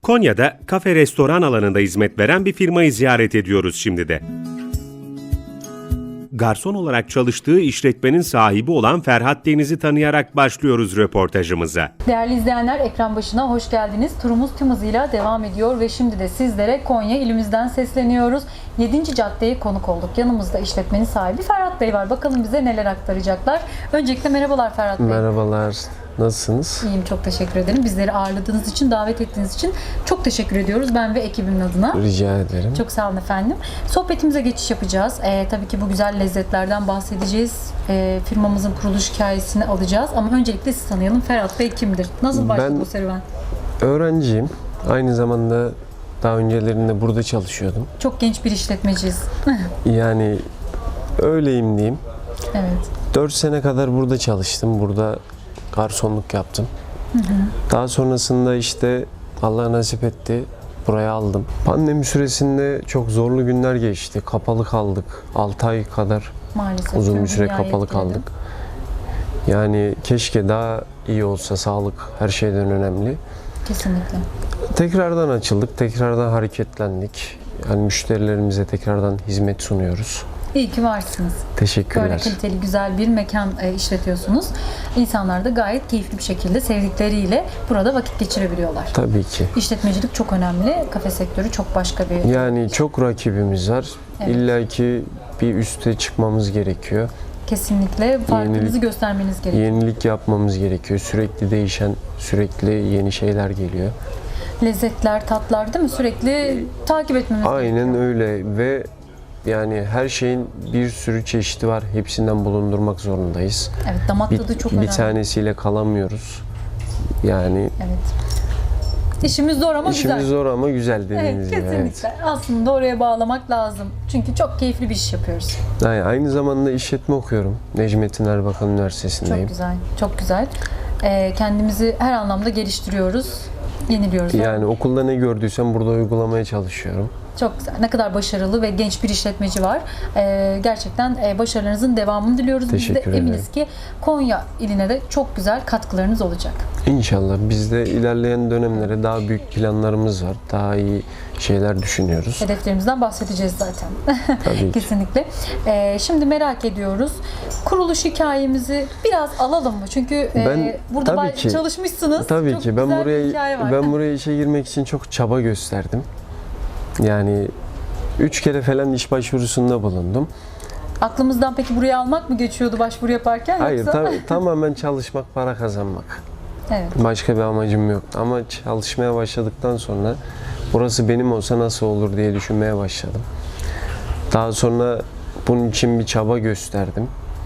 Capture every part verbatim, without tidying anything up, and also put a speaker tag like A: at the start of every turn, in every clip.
A: Konya'da kafe restoran alanında hizmet veren bir firmayı ziyaret ediyoruz şimdi de. Garson olarak çalıştığı işletmenin sahibi olan Ferhat Deniz'i tanıyarak başlıyoruz röportajımıza.
B: Değerli izleyenler, ekran başına hoş geldiniz. Turumuz tüm hızıyla devam ediyor ve şimdi de sizlere Konya ilimizden sesleniyoruz. yedinci caddeye konuk olduk. Yanımızda işletmenin sahibi Ferhat Bey var. Bakalım bize neler aktaracaklar. Öncelikle merhabalar Ferhat Bey.
C: Merhabalar. Nasılsınız?
B: İyiyim, çok teşekkür ederim. Bizleri ağırladığınız için, davet ettiğiniz için çok teşekkür ediyoruz. Ben ve ekibimin adına.
C: Rica ederim.
B: Çok sağ olun efendim. Sohbetimize geçiş yapacağız. Ee, tabii ki bu güzel lezzetlerden bahsedeceğiz. Ee, firmamızın kuruluş hikayesini alacağız. Ama öncelikle sizi tanıyalım. Ferhat Bey kimdir? Nasıl başladı
C: Ben
B: bu serüven?
C: Öğrenciyim. Aynı zamanda daha öncelerinde burada çalışıyordum.
B: Çok genç bir işletmeciyiz.
C: Yani öyleyim diyeyim.
B: Evet.
C: dört sene kadar burada çalıştım. Burada garsonluk yaptım.
B: Hı hı.
C: Daha sonrasında işte Allah nasip etti. Buraya aldım. Pandemi süresinde çok zorlu günler geçti. Kapalı kaldık. altı ay kadar
B: Maalesef
C: uzun
B: tüm
C: bir süre
B: dünyayı
C: kapalı
B: etkiledi.
C: kaldık. Yani keşke daha iyi olsa, sağlık her şeyden önemli.
B: Kesinlikle.
C: Tekrardan açıldık, tekrardan hareketlendik. Yani müşterilerimize tekrardan hizmet sunuyoruz.
B: İyi ki varsınız.
C: Teşekkürler.
B: Böyle kaliteli, güzel bir mekan e, işletiyorsunuz. İnsanlar da gayet keyifli bir şekilde sevdikleriyle burada vakit geçirebiliyorlar.
C: Tabii ki.
B: İşletmecilik çok önemli. Kafe sektörü çok başka bir...
C: Yani çok rakibimiz var.
B: Evet.
C: İlla ki bir üste çıkmamız gerekiyor.
B: Kesinlikle farkınızı
C: Yenilik-
B: göstermeniz gerekiyor.
C: Yenilik yapmamız gerekiyor. Sürekli değişen, sürekli yeni şeyler geliyor.
B: Lezzetler, tatlar değil mi? Sürekli takip etmemiz
C: Aynen
B: gerekiyor.
C: öyle ve yani her şeyin bir sürü çeşidi var. Hepsinden bulundurmak zorundayız.
B: Evet, damak
C: Bir,
B: tadı çok
C: bir
B: önemli.
C: tanesiyle kalamıyoruz. Yani
B: Evet. İşimiz zor ama
C: işimiz
B: güzel.
C: zor ama güzel
B: Evet,
C: dediğiniz gibi.
B: kesinlikle.
C: Evet.
B: Aslında oraya bağlamak lazım. Çünkü çok keyifli bir iş yapıyoruz.
C: Yani aynı zamanda işletme okuyorum. Necmettin Erbakan Üniversitesi'ndeyim.
B: Çok güzel, çok güzel. Ee, kendimizi her anlamda geliştiriyoruz, yeniliyoruz.
C: Yani okulda ne gördüysem burada uygulamaya çalışıyorum.
B: Çok güzel. Ne kadar başarılı ve genç bir işletmeci var. Ee, gerçekten e, başarılarınızın devamını diliyoruz. Biz de
C: Teşekkür
B: eminiz
C: ederim.
B: ki Konya iline de çok güzel katkılarınız olacak.
C: İnşallah biz de ilerleyen dönemlere daha büyük planlarımız var. Daha iyi şeyler düşünüyoruz.
B: Hedeflerimizden bahsedeceğiz zaten.
C: Tabii ki.
B: Kesinlikle. Ee, şimdi merak ediyoruz. Kuruluş hikayemizi biraz alalım mı? Çünkü e,
C: Ben-
B: burada
C: tabii
B: bay-
C: ki.
B: çalışmışsınız.
C: Tabii
B: Çok
C: ki ben
B: güzel bir
C: buraya
B: hikaye var.
C: ben buraya işe girmek için çok çaba gösterdim. Yani üç kere falan iş başvurusunda bulundum.
B: Aklımızdan peki buraya almak mı geçiyordu başvuru yaparken?
C: Hayır,
B: yoksa?
C: ta- tamamen çalışmak, para kazanmak.
B: Evet.
C: Başka bir amacım yok. Ama çalışmaya başladıktan sonra burası benim olsa nasıl olur diye düşünmeye başladım. Daha sonra bunun için bir çaba gösterdim.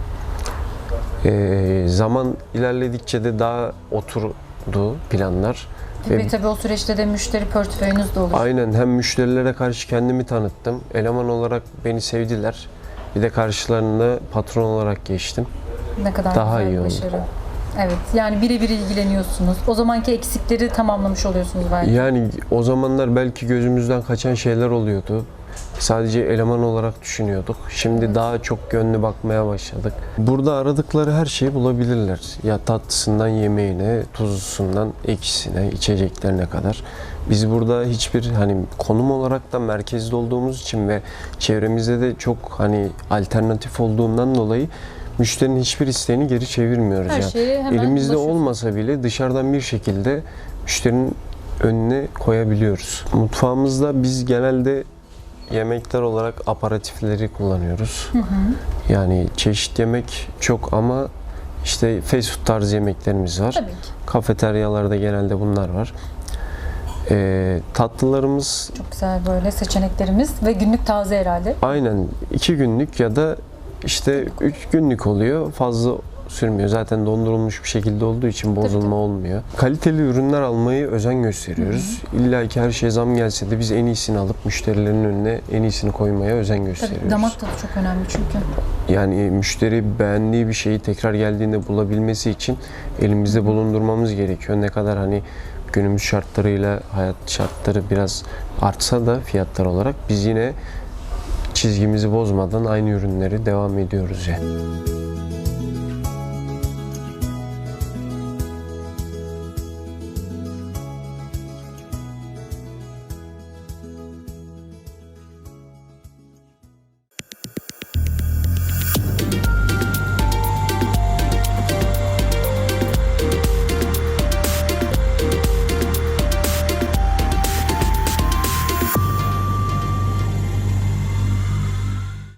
C: Ee, zaman ilerledikçe de daha oturdu planlar.
B: Ve tabii o süreçte de müşteri portföyünüz de olur.
C: Aynen, hem müşterilere karşı kendimi tanıttım. Eleman olarak beni sevdiler. Bir de karşılarında patron olarak geçtim.
B: Ne kadar
C: Daha
B: güzel
C: iyi
B: bir
C: oldu.
B: başarı. Evet, yani birebir ilgileniyorsunuz. O zamanki eksikleri tamamlamış oluyorsunuz belki.
C: Yani o zamanlar belki gözümüzden kaçan şeyler oluyordu. Sadece eleman olarak düşünüyorduk. Şimdi
B: Evet.
C: daha çok gönlü bakmaya başladık. Burada aradıkları her şeyi bulabilirler. Ya tatlısından yemeğine, tuzlusundan ekşisine, içeceklerine kadar. Biz burada hiçbir hani konum olarak da merkezde olduğumuz için ve çevremizde de çok hani alternatif olduğundan dolayı müşterinin hiçbir isteğini geri çevirmiyoruz.
B: Her
C: yani.
B: şeye hemen
C: Elimizde
B: ulaşıyorsunuz.
C: olmasa bile dışarıdan bir şekilde müşterinin önüne koyabiliyoruz. Mutfağımızda biz genelde yemekler olarak aperatifleri kullanıyoruz.
B: Hı hı.
C: Yani çeşit yemek çok ama işte fast food tarzı yemeklerimiz var.
B: Tabii ki.
C: Kafeteryalarda genelde bunlar var. Ee, tatlılarımız
B: Çok güzel böyle seçeneklerimiz ve günlük taze herhalde.
C: aynen iki günlük ya da işte üç günlük oluyor. Fazla sürmüyor. Zaten dondurulmuş bir şekilde olduğu için bozulma
B: tabii.
C: olmuyor. Kaliteli ürünler almayı özen gösteriyoruz. İlla ki her şey zam gelse de biz en iyisini alıp müşterilerin önüne en iyisini koymaya özen gösteriyoruz.
B: Tabii damak tadı çok önemli çünkü.
C: Yani müşteri beğendiği bir şeyi tekrar geldiğinde bulabilmesi için elimizde bulundurmamız gerekiyor. Ne kadar hani günümüz şartlarıyla hayat şartları biraz artsa da fiyatlar olarak biz yine çizgimizi bozmadan aynı ürünleri devam ediyoruz yani.